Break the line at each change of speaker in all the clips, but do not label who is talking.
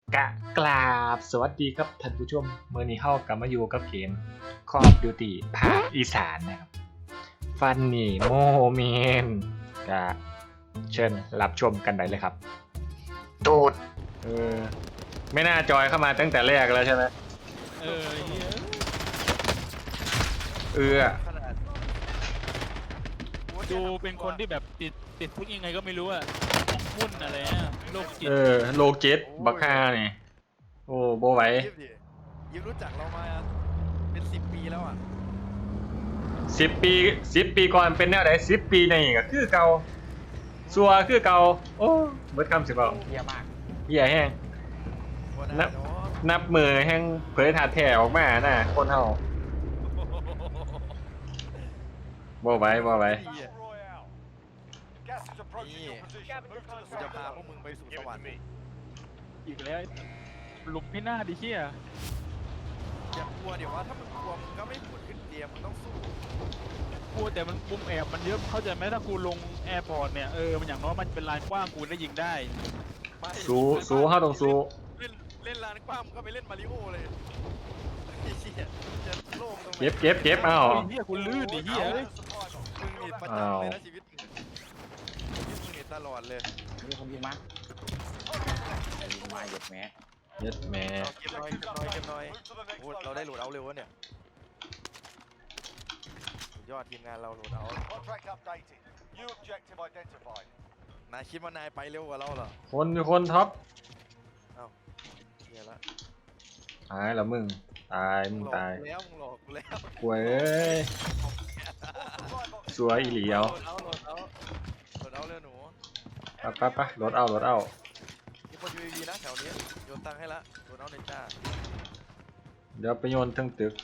กราบสวัสดีครับท่านผู้ชมเมื่อนี้เข้ากลับมาอยู่กับเกม Call of Duty ภาคอีสานนะครับฟันนี่โมเมนกะเชิญรับชมกันได้เลยครับตูดไม่น่าจอยเข้ามาตั้งแต่แรกแล้วใช่ไหม
เหี้ยดูเป็นคนที่แบบติดพวกยังไงก็ไม่รู้อะมุ่นอะไรอะโรคจิต
โลเจ็ตบักฮานี่โอ้โบไหว
ยิมรู้จักเรามาเป็น10 ปีแล้วอ่ะ
10 ปีก่อนเป็นแนวไหน10 ปีนี่ก็คือเก่าซัวคือเก่าโอ้เบิดคำสิเปล่า
เหี้ยมาก
เหี้ยแห้งนับมือแห้งเผยถาดแถออกมาน่ะคนเฮาบ่ไหว
นี่กูจะพาพวกมึงไปสู่สวรรค์
อีกแล้วหลุมพี่หน้าดิเชี่ย
อย่ากลัวเดี๋ยวว่าถ้ามึงกลัวมึงก็ไม่ผุดขึ้นเตียงมึงต้องสู้
กลัวแต่มันมุมแอบมันเยอะเข้าใจไหมถ้ากูลงแอร์พอร์ตเนี่ยมันอย่างน้อยมันเป็นลานกว้างกูได้ยิงได้
สู้เฮาต้องสู้
เล่นลานกว้างมึงก็ไปเล่นมาริโอเลยไอ้เหี้ยจะโล่งตรงไหน
เก็บเอา
เหี้ยกูลื่นดิเหี้ย
มึงนี่ประจำเลยนะชีวิตมึงนี่ตลอดเลย
นี่คนยิงมาเหยียดแม่
เ
ก็บน้อยโอ้เราได้โหลดเอาเร็ววะเนี่ยสุดยอดทีมงานเราโหลดเอานายคิดว่านายไปเร็วกว่าเราเหรอ
คนท็อป
เอ้าเหี้ยละ
ตายแล้วมึงตาย
มึงหลอกกูแล้ว
กวยเอ้ยสวยอีหลีเอา
โหลดเอาเร็วหนู
ไปโหลดเอา
มีคน UAV นะแถวนี้โยนตังค์ให้ละโหลดเอาเนจ้า
เดี๋ยวไปโยนทั้งตึก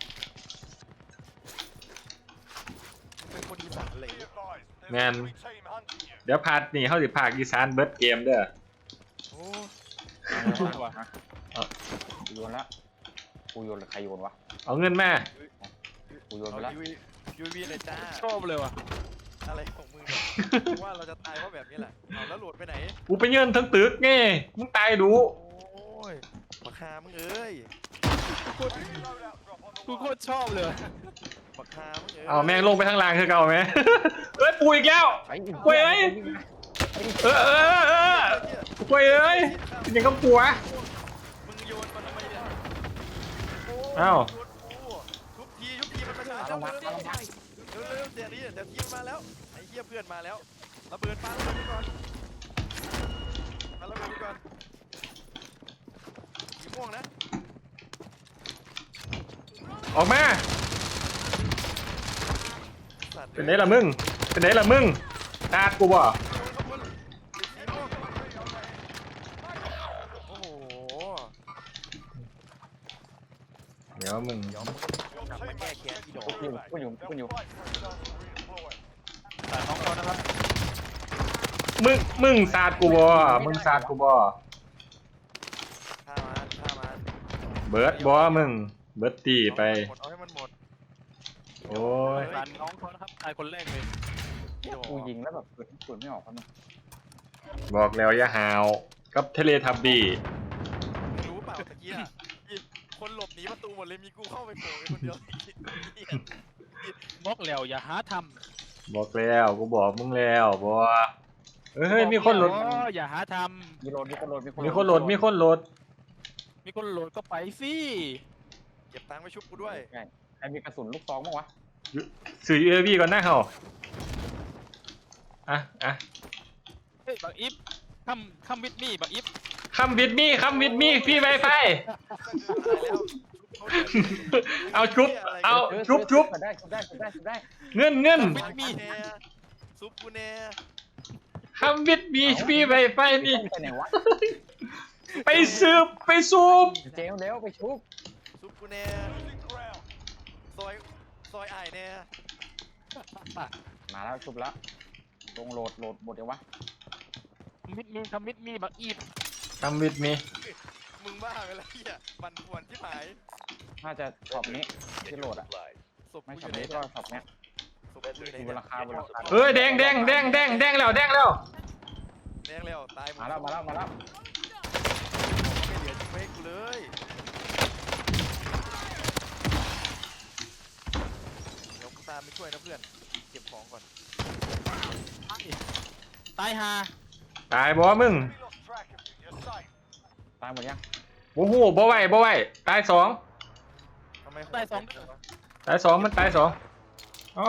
เป็นคนอีสานเลย
แมนเดี๋ยวพาดนี่เขาสิพากอีสานเบิร์ดเกมเด้อ
โอ้
ว่ะกูโยนละกูโยนหรือใครโยนวะ
เอาเงินมา
กูโยนไปละ
UAV เลยจ้า
ชอบเลยว่ะ
อะไรของมึงว่าเราจะตายเพราะแบบนี้แหละเอาแล้วโหลดไปไหน
กูไปเงินทั้งตึกไงมึงตายดู
โอ้ยราคามึงเอ้ย
กูโคตรชอบเลย
ราคามึงเอ้ย
เอาแม่งลงไปข้างล่างคือเก่าไหมปูอีกแล้วกวยเอ้ยกวยเอ้ยยังก็ปัว
มึงโยนมันทำไมเนี่ย
อ้าว
ทุบทีมันมาเร็วเดี๋ยวทีมาแล้วไอ้เหี้ยเพื่อนมาแล้วระเบิดปาระเบิดไปก่อนสีม่วงนะ
ออกมาเป็นไหนล่ะมึงตาดกูบ่
โอ้โห
เดี๋ยวมึง
กลับมาแก้แค้นที่โดน
กูอยู่
แต่น้องเขานะครับ
มึงสาดกูบ่ฆ่า
มัน
เบิร์ดบ่มึงเบิร์ดตีไป
เอาให้มันหมด
โอ้ย
ร้านน้องเขานะครับตายคนแรกเลย
กูยิงแล้วแบบเปิดไม่ออกครับมึง
บอกแล้วอย่าหาวกับเทเลทับบี้
รู้เปล่าตะกี้อ่ะคนหลบหนีประตูหมดเลยมีกูเข้าไปโผล่คนเดียว
บอกแล้วอย่าหาท
ำบอกแล้วกูบอกมึงแล้วบ่เฮ้ยมีคนโหลด
อย่าหาทำ
มีคนโหลด
ก็ไปสิ
เก็บตังค์ไปชุบกูด้วย
ใครมีกระสุนลูกซองบ้างวะ
สื่อUAVก่อนหน้าเขา
เฮ้ยบักอิฟคัมวิดมี่บักอิฟ
คัมวิดมี่พี่ไวไฟเอาชุบเงิน
ซุปกูเน่
คัมวิดมี่พี่ไวไฟนี่ไปซูบ
เจ๊เร็วไปชุบ
ซุปกูเน่ซอยไอเน่
มาแล้วชุบแล้วลงโหลดหมดเดี๋ยววะ
คัมวิดมี่บักอิฟ
คัมวิดมี่
มึงบ้าไปแล้วเหี้ยบันป่วนที่หาย
น่าจะช็อปนี้ที่โหลดอ่ะไม่ช็อปนี้ก็ช็อปเนี้ยบนราคา
เฮ้ยแดงแล้ว
ตาย
มาแล้ว
ตายฮา
ตายบ่มึง
ตายหมดยัง
โอ้โหบ่ไหวบ่ไหวตายสอง
ทำไม
ตายสอง
ตายสองมันตายสองอ๋อ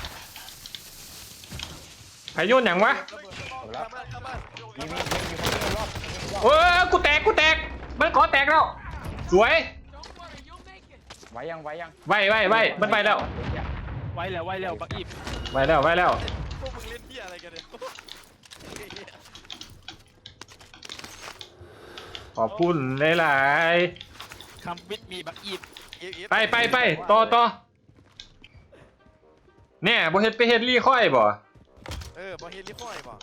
ไผโยนหยังวะ
จบแล้ว
เข้ามา
มีคนที่รอบ
โอ้ยกูแตกมันขอแตกแล้วสวย
ไว้ยัง
ไว้มันไปแล้ว
ไว้แล้วบักอีบ
ไว้แล้ว
พวกมึงเล่นเหี้ยอะไรกันเนี่ย
ขอบคุณหลาย
คำวิทมีบักอีบ
ๆไปต่อเนี่ยบ่เฮ็ดไปเฮ็ดลี่ค่อยบ่
บอเฮลิฟอยป่ะ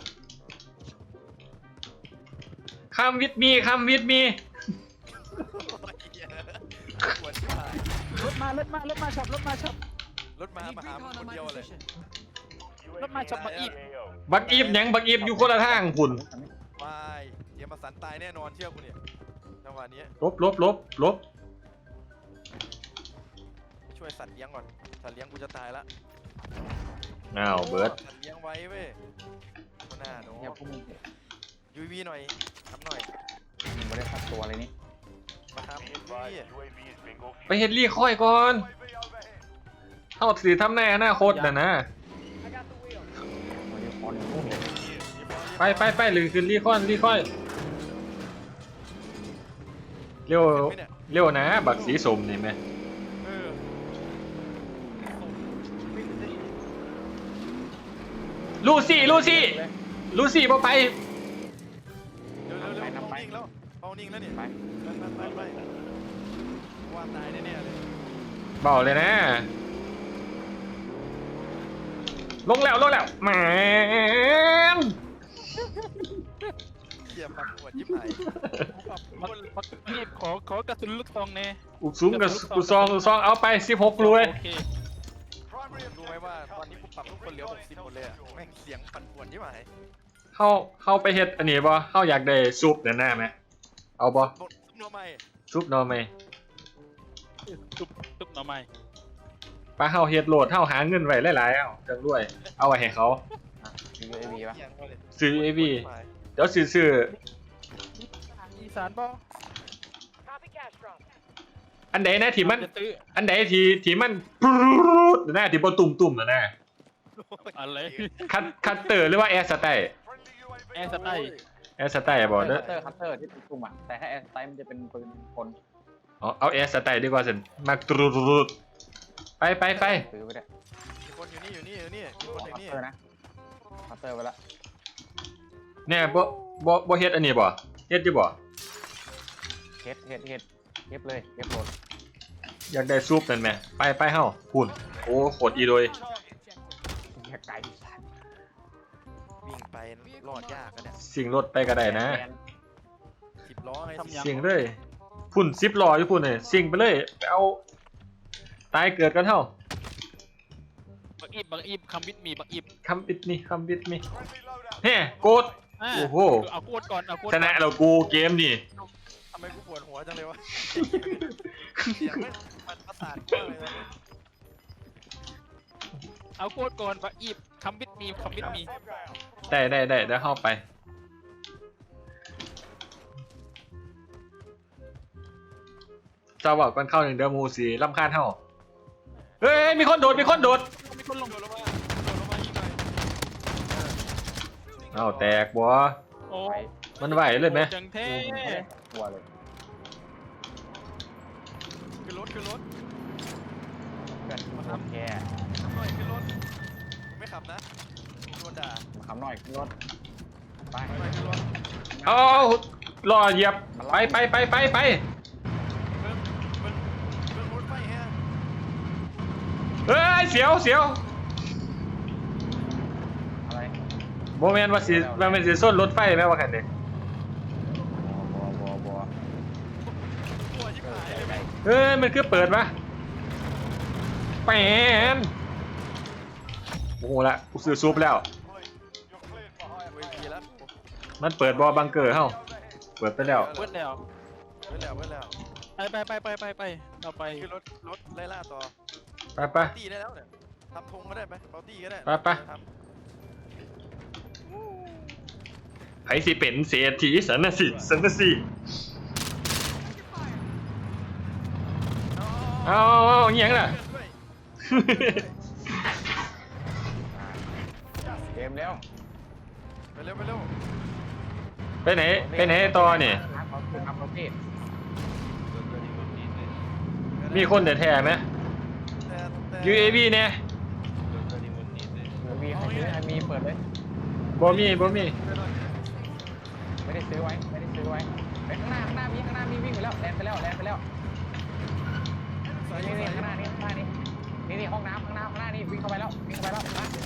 คำวิทมี
ปวดชิบหาย
รถมาช็อป
รถมาหาคนเดียวเลย
รถมาช็อปบักอีบ
บักอีฟหยังบักอีฟอยู่คนละทางพุ่น
วายเดี๋ยวมาสันตายแน่นอนเชื่อกูเนี่ยจังหวะนี้
ลบ
ช่วยสัตว์เลี้ยงก่อนสัตว์เลี้ยงกูจะตายละ
อ้าวเบิร์ด
สัตว์เลี้ยงไว้เว้ยก็น่าโน้
เนี่ยพวกมึง
ยูวีหน่อยทำหน่อย
ไม่ได้พักตัวเลยนี่
มาทำยูวี
ไปเฮ็ดลี่ค่อยก่อนเฮาสิทำในอนาคตน่ะนะ
วันนี้คอนพุ่งเลย
ไปหรือคือลี่ค่อยเร็วนะบักสีส้มนี่แม่
เออ
ลูซี่บ่ไป
เร็วเอานิ่งแล้วเนี่ย
ไป
ไปว่าตายแน่ๆเลย
เบาเลยนะลงแล้วแหม
เหี้ยปักปวดยิบหาย
บักอีบขอกระสุนลูกซองแน่
อุกซุ้มกับอุซองเอาไป16รวย
โอเค
รู้ไหมว่าตอนนี้กูปรับทุกคนเหลือ60หมดเลยอะแม่งเสียงปั่นป่วนยิบหาย
เข้าไปเฮ็ดอันนี้บ่เฮาอยากได้ซุปหน้าไหมเอาบ่
บทโนใหม่
ซุปหน่อไหม
ทุบหน่อไม้
ป้าเฮาเฮ็ดโหลดเฮาหาเงินไว้หลายๆเอาจังรวยเอาไว้ให้เขา
UAV ปะ
เสียงเลย
ซื้อ AV เดี๋ยวซื้อ
อีสานบ่
อันใดนะที่มัน
จะซื้อ
อันใดที่มันปรูดนะที่บ่ตุ่มๆนะ
อะไร
คัตเตอร์หรือว่าแอร์สไตล์
แอร์สไตล์
แอร์สไตล์บ่เด้อ
คัตเตอร์ที่เป็นตุ่มอ่ะแต่ถ้าแอร์สไตล์มันจะเป็นปืนคน
เอาแอร์สไตล์ดีกว่าสิมักตรูดไป
ซื้อไปได้
มีคนอยู่นี่มีคนอยู่
คัต
นี่
เตอร์นะคัตเตอร์ไปละ
เนี่ยบ่เฮ็ดอันนี้บ่เฮ็ดอยู่บ่
เฮ็ดเลยเฮ็ดโหลด
อยากได้ซุปนั่นแหมไปเฮาพุ่นโอ้โคตรอีโดย
แค่ไก่สัตว์
วิ่งไปรอดยากกันเนี่ย
สิ่งรถไปก็ได้นะ
10 ล้อไง
สิ่งเลยพุ่น10ล้ออยู่พุ่นนี่สิ่งไปเลยไปเอาตายเกิดกันเฮา
บักอีบคำวิทมีบักอีบ
คำบิดมีเฮ้โกด โอ้โห
เอาโคตรก่อนเอาโคตร
ชนะเรากูเกมนี่
ทำไมกูปวดหัวจังเลยวะเสียงมันประสาทมากเลยนะ
เอาโคตรก่อนบักอีบคำวิทมี
ได้เดี๋ยวเข้าไปเจ้าบอกกันเข้าหนึ่งเดือนมูสีลำคาญเท่าเฮ้ยมีคนโดด
มีคนลง
โดดลงมาอีกหน่อย
เอาแตกบัว
โอ้
ไป
มันไหวเลยไหม
จังเท่
ตัวเลย
ขึ้นรถ
เพื่อนมาทำแก
หน่อยขึ้นรถไม่ขับนะโดนด่า
คำหน่อยขึ้นรถไป
หน่อยขึ้นรถ
เอารอเหยียบไป
เพิ่มรถไฟฮะ
เฮ้ยเสียว
อะไร
โมเมนต์ว่าสิส้นรถไฟไหมว่าคันนี้
บัว
ปวดยิบหายเลย
เฮ้ยมันคือเปิดปะแปนโอ้โหละกูซื้อซุปแล้ว
เวทีแล้ว
มันเปิดบอบังเกอร์เฮ้าเปิดไปแล้ว
เบิ้ลแล้ว
เว้นแล้ว
ไปเราไป
ขึ้นรถไล่ล่าต่อ
ไป
ตีได้แล้วเนี่ยทำธงก็ได้ไหมเปาตี้ก็ได้
ไป
ทำ
ไผสิเป็นเศรษฐีสันนะสิสันนะสิเอาเงี้ยงล่ะ
เกมแล้ว
ไปเร็วไปเร็ว
ไปไหนต่อเนี่ย
เขาคือทำประเภท
มีคนแท้ๆไหม
แต่
UAV เนี่ย
มีใครซื้อใครมีเปิดเลย
บ่มี
ไม่ได้ซื้อไว้ไปข้างหน้ามีวิ่งไปแล้วแลนไปแล้วนี่ข้างหน้านี่ห้องน้ำข้างหน้านี่วิ่งเข้าไปแล้วครับ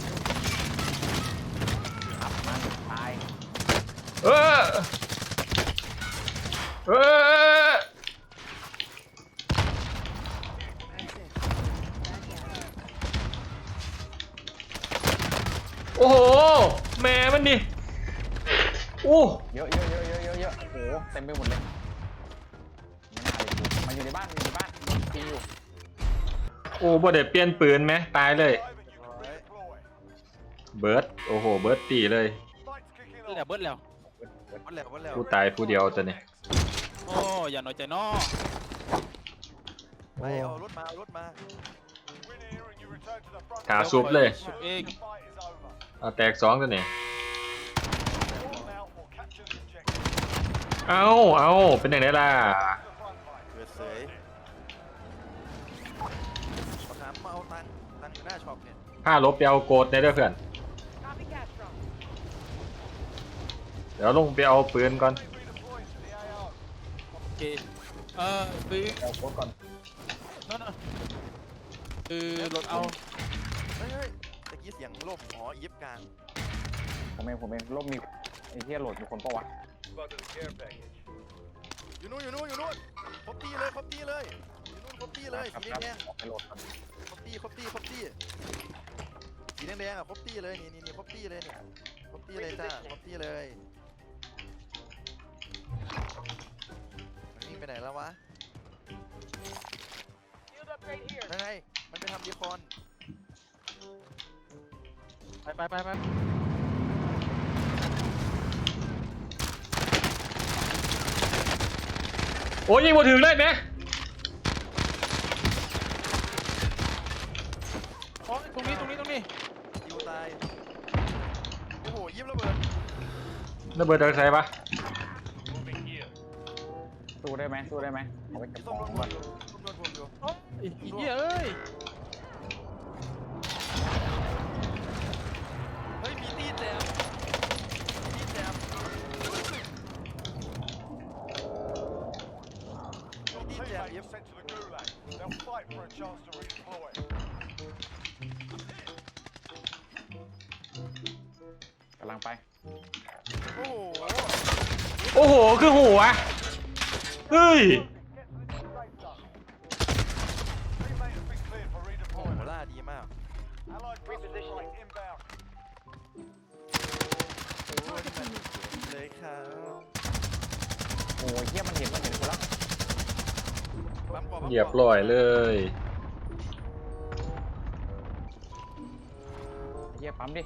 มันตาย
เออโอ้โหแม่มันดิโอ้
เยอะโอ้โหเต็มไปหมดเลยไม่น่าเลยกูมาอยู่ในบ้านกินอยู่
โอ้บ่ได้เปลี่ยนปืนไหมตายเลยเบิร์ดโอ้โหเบิร์ดตีเลย
เบิดแล้ว
วันแล้ว
ผู้ตายผู้เดียวตัวนี้
โอ้อย่าน้อยใจน้อ
ไปเอารถมา
ขาซุบเลย
ชุบเอง
เอาแตก2ตัวนี้เอาเป็นอย่างไรล่ะ
เกิดเสยประคำมาเอาตังค์อยู่หน้าช็อปเนี่ย
ผ้าลบไปเอาโกดในเด้อเพื่อนเดี๋ยวลงไปเอาปืนก่อน
โอเคซื้อ
เอาโค้ดก่อน
นั่นน่ะคือรถเอา
เฮ้ยตะกี้เสียงล่มอ๋อยิบกลาง
ผมเองลบมีไอ้เหี้ยโหลดมีคนปะวะ
อยู่นู่นครบตีเลยอยู่นู่นครบตีเลยสีแดง
ออกไปโหลดก่อน
ครบตีสีแดงอ่ะครบตีเลยนี่ครบตีเลยเนี่ยครบตีเลยจ้าครบตีเลยมันวิ่งไปไหนแล้ววะนั่นไงมันไปทำดีคอน
ไป
โอ้ยยิงบ่ถึงเลยไหม
อ๋อตรงนี้
ยิวตายโอ้โหยิบระเบิด
ระเบิดจากไสปะ
สู้ได้ไหมเอาไปเก็บข
ต้
อ
อง
ง
โด
ก่อน
นผมอยู่
โอ้ยอีเหี้ยเอ้ย
เฮ้ยมีตีแจมยิบ
กำลังไป
โอ้โห
โอ้โหคือหัวเฮ้ย
โอ้โหล่าดีมากโอ้ยเลยครับ
โอ้ยเหี้ยมันเห็นกูแล้ว
เหยียบลอยเลย
เหี้ยปั๊มดิ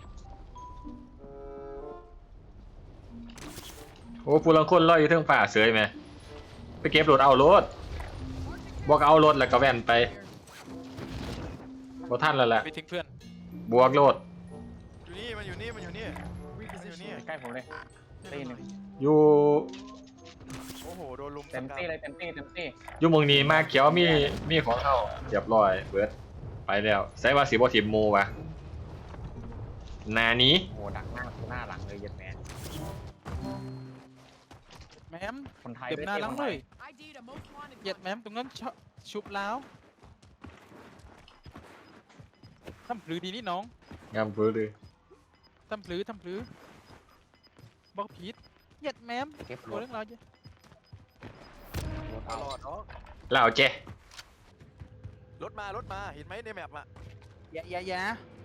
โอ้ผู้ลังคนลอยอยู่เทิงฝ่าเสยไหมไปเก็บรถเอารถบอกเอารถแล้วก็แว่นไปบ่ทันแล้วแหละ
ไปทิ้งเพื่อน
บวกรถ
อยู่นี่
ใกล้ผมเลยตีหนึ่ง
อยู่
โอ้โหโดนลุม
เต็มตีเลยเต็มตี
อยู่เมืองนี้มาเขียวมีของเข้าเรียบร้อยเบิร์ดไปแล้วใส่ว่าสิบ่ทิมหมู่วะหนานี้
โอ้ดักหน้าหลังเลยยัดแมน
แมม
คนไทย
เก็บหน้าหลังเลย
ID to most wanted.
เหยียดแมมตรงนั้นชุบแล้วทำพลือดีนี่น้อง
งามเบิร์ดเลย
ทำพลือบอกผิดเหยียดแมม
เก็บร
ตัว
ถ
เรื่องเราวจะ
ตลอดเนาะ
ลาวเจ
รถมาเห็นไหมในแมปอ่ะ
อย่า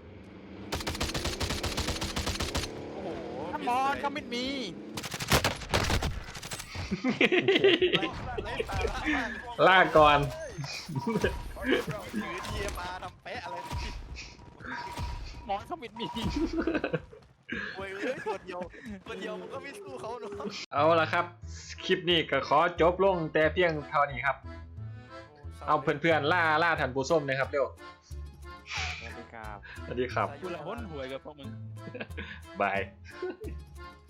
โอ้โห
ถ้ามอนเขาไม่มี
ไร้สาระมาก
ลากก่อน
ถือทีมาทำเป๊ะอะไร
มอนเขาไม่มี
โอ้เว้ยตัวเดียวมันก็ไม่สู้เขาเนาะ
เอาละครับ คลิปนี้ก็ขอจบลงแต่เพียงเท่านี้ครับ เอาเพื่อนๆล่าท่านผู้ชมเลยครับเร็ว
สวัสดีครับ
สวัสดีครับ
กูละห้นหวยกับพวกมึง
บาย